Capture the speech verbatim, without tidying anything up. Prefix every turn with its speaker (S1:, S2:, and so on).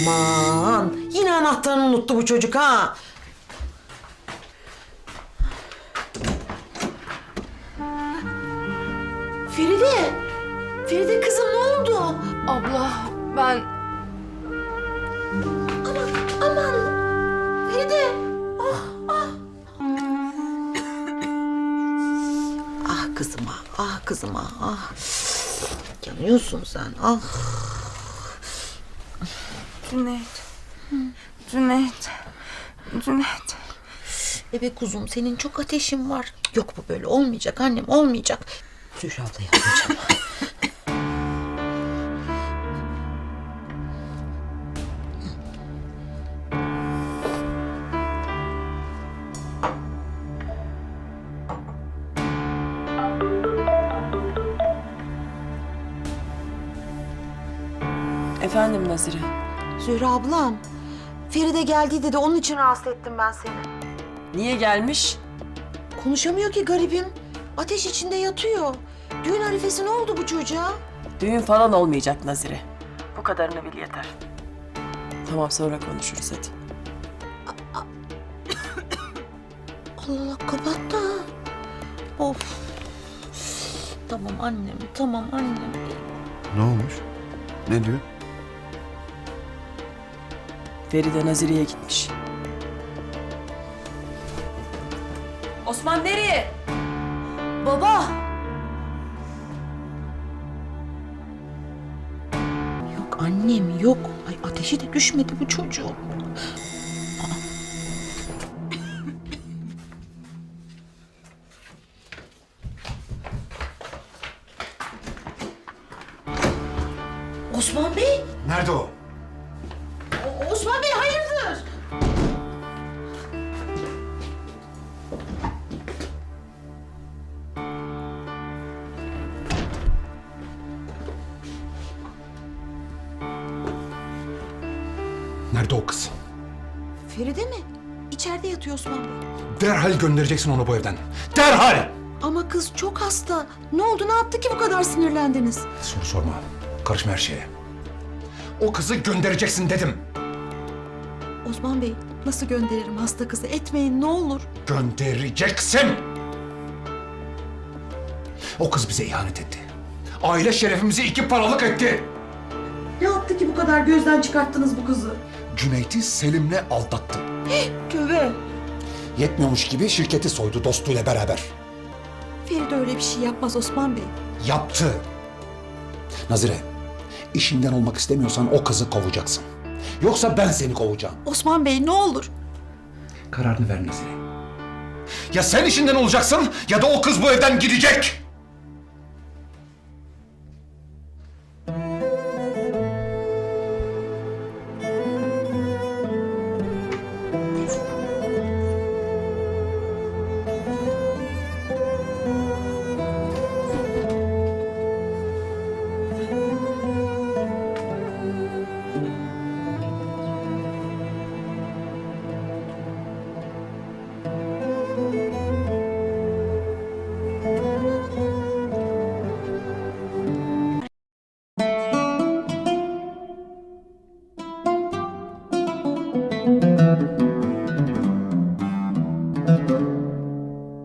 S1: Aman yine anahtarını unuttu bu çocuk ha. Feride. Feride kızım ne oldu?
S2: Abla ben...
S1: Aman aman. Feride. Ah ah. Ah kızıma, ah kızıma, ah. Yanıyorsun sen, ah.
S2: Cüneyt. Cüneyt. Cüneyt.
S1: Bebek kuzum senin çok ateşin var. Yok bu böyle olmayacak annem olmayacak. Zühre ablayı alacağım.
S2: Efendim Nazire.
S1: Zühre ablam. Feride geldi dedi onun için rahatsız ettim ben seni.
S2: Niye gelmiş?
S1: Konuşamıyor ki garibim. Ateş içinde yatıyor. Düğün arifesi ne oldu bu çocuğa?
S2: Düğün falan olmayacak Nazire. Bu kadarını bil yeter. Tamam sonra konuşuruz hadi.
S1: Allah Allah kapattı. Of. Tamam annem, tamam annem.
S3: Ne olmuş? Ne diyor?
S2: Feride Nazire'ye gitmiş. Osman nereye?
S1: Baba. Yok annem yok. Ay ateşi de düşmedi bu çocuğun. Osman Bey.
S3: Nerede o?
S1: O- Osman Bey hayırdır?
S3: Nerede o kız?
S1: Feride mi? İçeride yatıyor Osman Bey.
S3: Derhal göndereceksin onu bu evden. Derhal!
S1: Ama kız çok hasta. Ne oldu, ne yaptı ki bu kadar sinirlendiniz?
S3: Soru sorma. Karışma her şeye. O kızı göndereceksin dedim.
S1: Osman Bey, nasıl gönderirim hasta kızı? Etmeyin ne olur.
S3: Göndereceksin! O kız bize ihanet etti. Aile şerefimizi iki paralık etti.
S1: Ne yaptı ki bu kadar gözden çıkarttınız bu kızı?
S3: Cüneyt'i Selim'le aldattı.
S1: Tövbe.
S3: Yetmiyormuş gibi şirketi soydu dostuyla beraber.
S1: Feride öyle bir şey yapmaz Osman Bey.
S3: Yaptı. Nazire, işinden olmak istemiyorsan o kızı kovacaksın. Yoksa ben seni kovacağım.
S1: Osman Bey ne olur.
S3: Kararını ver Nazire. Ya sen işinden olacaksın ya da o kız bu evden gidecek.